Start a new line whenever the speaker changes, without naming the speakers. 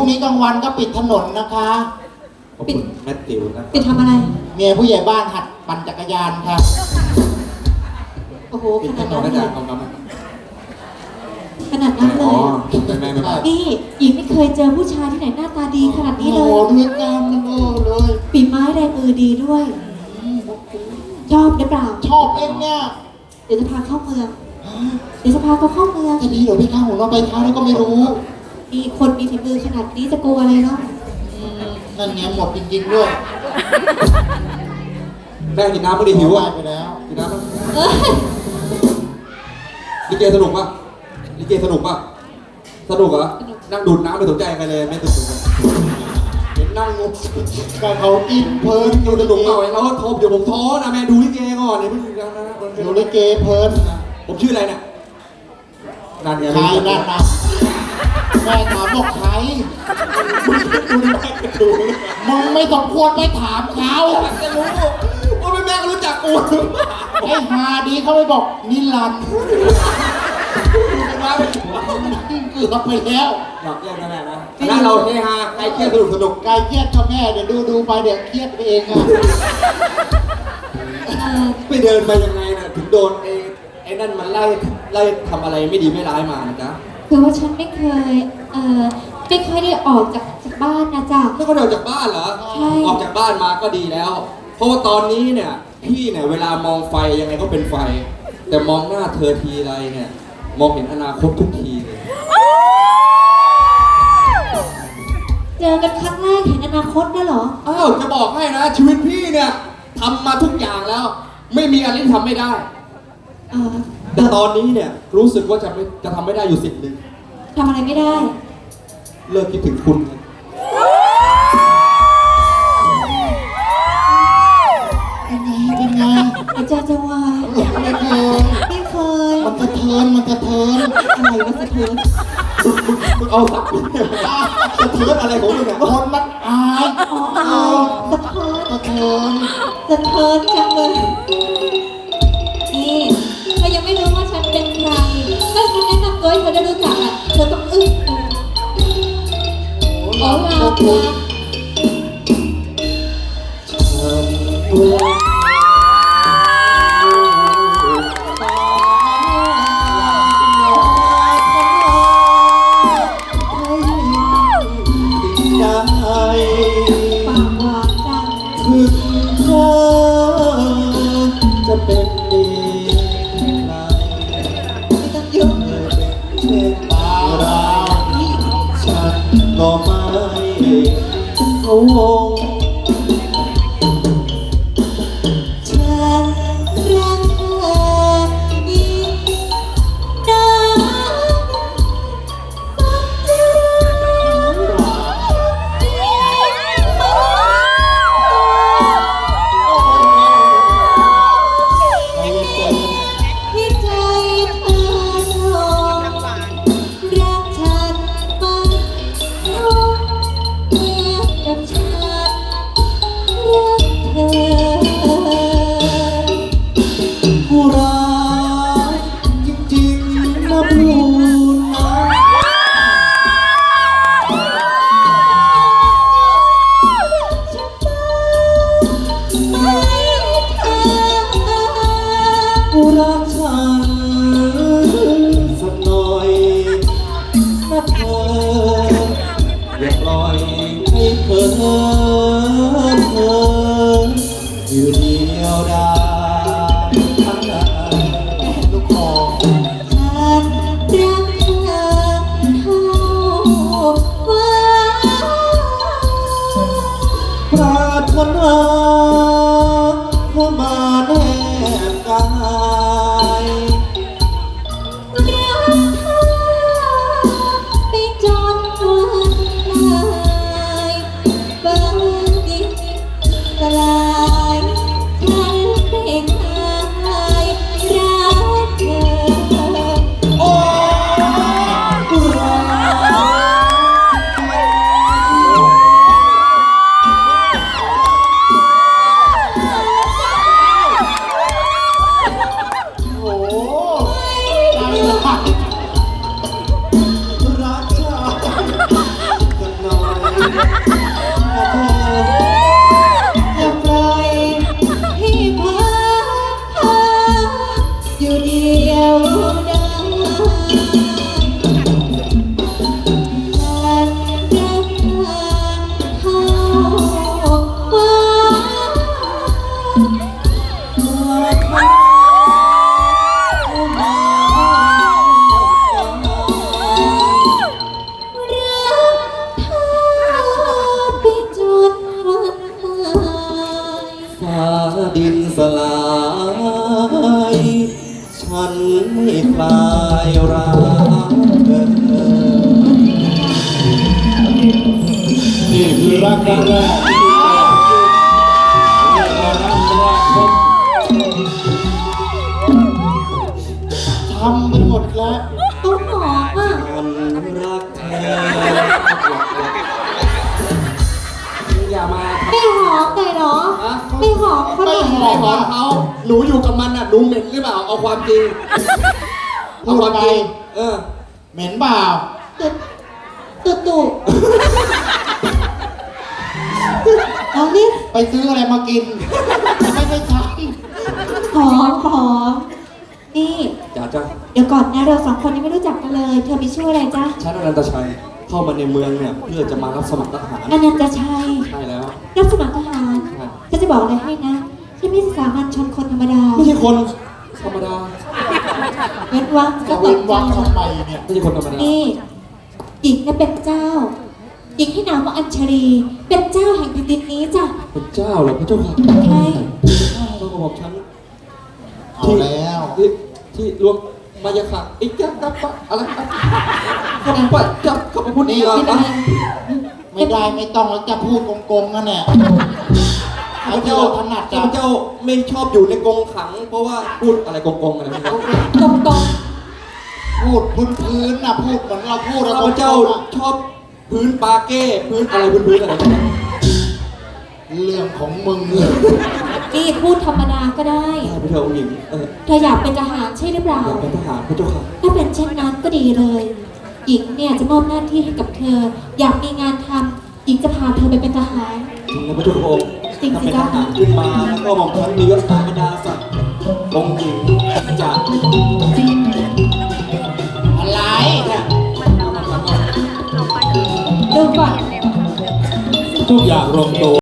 นี้กลางวันก็ปิดถนนนะคะ
ปิดแมตติวนะ
ปิดทำอะไร
เมียผู้ใหญ่บ้านหัดปั่นจักรยานค่ะ
โอ้โหข
ปิดถ
นาด
น
นั้น น
นะ
เล
จ๊ะ
ย
เอาน้ำ
ขนาดนั้นเล
อ๋อย ไม่
นี่หญิงไม่เคยเจอผู้ชายที่ไหนหน้าตาดีขนาดนี้เล
โอ้
ย
โหด้วยกันเลย
ฝีไม้แรงมือดีด้วย ชอบหรือเปล่า
ชอบเองเนี่ย
เดี๋ยวจะพาเข้าเมือง เดี๋ยวจะพาเขาเข้าเมือง
จะดีเหรอพี่ข้าหัวเราะไปเท้าแล้วก็ไม่รู้
มีคนมีฝีมือขนาดนี้จะกลัวอะไรเนาะ
นั่นเนี่ยหมดจริงๆด้วย
แม่กินน้ำไม่ได้หิวอ่ะ
ไปแล้ว
กินน้ำมั้ย
เอ้ย
ลิเกสนุกป่ะลิเกสนุกป่ะสนุกเหรอนั่งดูดน้ำไม่สนใจใครเลยไม่สนุกเห็นนั่งงง
ก็เขากินเพลิน
ดูสนุกหน่อยแล้วโทรเดี๋ยวผมท้อนะแม่ดูลิเกก่อนเนี่ยไม่ถึงแล้วนะ
อยู่ลิเกเพลิน
ผมชื่ออะไรเนี่ยนั่นไง
ใครนั่นนะแม่ถามบอกใครมึงไม่สมควรไปถามเขา
จะรู้ว่าแม่ก็รู้จักกู
ไอ้ฮาดีเขาไปบอกนิรันดร์
มาเป็น
เกือบไปแล้ว
หยอกเล่นนะแม่นะคณะเราเฮฮาใครเครียดสนุก
ไกลเครียดก็แม่เดี๋ยวดูไปเดี๋ยวเครียดไปเองอะ
ไปเดินไปยังไงน่ะถึงโดนไอ้นั่นมันไล่ทำอะไรไม่ดีไม่ร้ายมานะจ๊ะ
คือว่าฉันไม่เคยไม่ค่อยได้ออกจากบ้านนะจ๊ะ
ไม่ค่อยได้ออกจากบ้านเหรอ
ใช่
ออกจากบ้านมาก็ดีแล้ว เพราะว่าตอนนี้เนี่ยพี่เนี่ยเวลามองไฟยังไงก็เป็นไฟ แต่มองหน้าเธอทีไรเนี่ยมองเห็นอนาคตทุกทีเลย
เจอกันครั้งแรกเห็นอนาคตได้เหรอ
อ้าวจะบอกให้นะชีวิตพี่เนี่ยทำมาทุกอย่างแล้ว ไม่มีอะไรที่ทำไม่ได้ แต่ตอนนี้เนี่ยรู้สึกว่าจะทำไม่ได้อยู่สิ่งหนึ่ง
ทำอะไรไม่ได้
เลิกคิดถึงคุณไง
เป็นไง
อาจารย์จะวาย
ไม่เคย
ไม่เคย
มันกระเทิน
อะไรวะสะเทือน
มึงเอาสักสะเทือนอะไรของมึงเนี่ย
คนมันอาย
อ๋ออายสะเทือน
กระเทิน
สะเทือนจังเลยนี่เธอยังไม่รู้ว่าฉันเป็นใครถ้าฉันแนะนำตัวให้เธอได้รู้จักอ่ะเธอต้องอึ้งขอลาค่ะ ปากหวานจัง
ถึงเธอจะเป็นดีไร
ไม่ต้องยุ่ง
เช่นเราฉันก็ไม่เขาวง
ฉันรักเธอยิ่งนัที่ใจเธอทรงรักฉันมันคงเหมือนกับฉันรักเธอ
ผู้รักจริงๆนะพูดนะ ผู้รักฉันสักหน่อยนะเธออย่าปล่อยให้เธออยู่เดียวดายลูกคอ
ฉันรักเธอเท่าฟ้า
ปรารถนาเข้ามาแนบกาย
รักเธอไปจนวันตายบาง
ดินสลายฉันไม่คลายรักเธอ
นี่คือรักครั้งแรกที่เกิดรักแรกพบทำไปหมดแล้ว
เขาหอมอ่ะ
ฉันรักเธออย่ามา
ไม่หอมเลยเหรอ ไม่หอมเขาห
ไม่
น่อย
ห
เหร
อ
อ
ม
ขอเขาหนูอยู่กับมันอ่ะหนูเหม็นหรือเปล่าเอาความจริง
พูดไป
เออ
เหม็นเปล่า
ตุเอานี่
ไปซื้ออะไรมากิน ไม่ได้ใช้
หอมนี่
จ้าจ้า
เดี๋ยวก่อนนะเราสองคนยังไม่รู้จักกันเลย เธอมีชื่ออะไรจ๊ะ
ฉันอนันตชัยเข้ามาในเมืองเนี่ยเพื่อจะมารับสมัครทหาร
อนันตชัย
ใช่แล้ว
รับสมัครทหาร
ใช่
ฉันจะบอกอะไรให้นะฉันไม่ใช่สามัญชนคนธรรมดา
ไม่ใช่คนธรรมดา
เว้นวัก
จะ
ก็
เว้
ต
น
ก
วัก
ใจ
ทำไมเนี่ย
ไม่ใช่คนธรรมดา
นี่หญิงเนี่ยเป็นเจ้า หญิงที่นามว่าอัญชลี เป็นเจ้าแห่งแผ่นดินนี้จ้ะ
พระเจ้าเหรอพระเจ้าค่ะ
ใช่
ต้องบอกฉัน
เอาแล้ว
ที่รวมมายาค่ะไอ้ยักษ์กับปะอะไรครับกับปะจับกับพระพุทธ
ไม่
เจ้า
เป็นไร
ไม่ได้ไม่ต้องแล้วจะพูดโกงๆนั่นแหละ
ข้า
เอา
พ
ที่
เจ้า
เราถนัด
ข้า
จ้ะ
พเจ้าไม่ชอบอยู่ในกรงขัง เพราะว่าพูดอะไรกงๆอะไรไม่รู้
ตรง
พูดพื้นๆนะพูดเหมือนเราพูดแล้ว
ข้าพเจ้าชอบพื้นปาเก้พื้นอะไรพื้นอะไรไม่รู้
เรื่องของมึงเลย
ๆนี่พูดธรรมดาก็ได้
พระเจ้าองค์หญิง
เธออยากเป็นทหารใช่หรือเปล่า
อยากเป็นทหารพระเจ้าค่ะ
ถ้าเป็นเช่นนั้นก็ดีเลย หญิงเนี่ยจะมอบหน้าที่ให้กับเธอ อยากมีงานทำหญิงจะพาเธอไปเป็นทหาร
จริงนะพระเจ้าพระองค์
จริงสิ
ถ้าเป็นท
จ๊ะ
หารขึ้นมาแล้วก็หม่อมฉันมียศถาบรรดาศักดิ์องค์หญิงจะ
อะไร
เนี่ย
ดูก่อน
ทุกอย่างลงตัว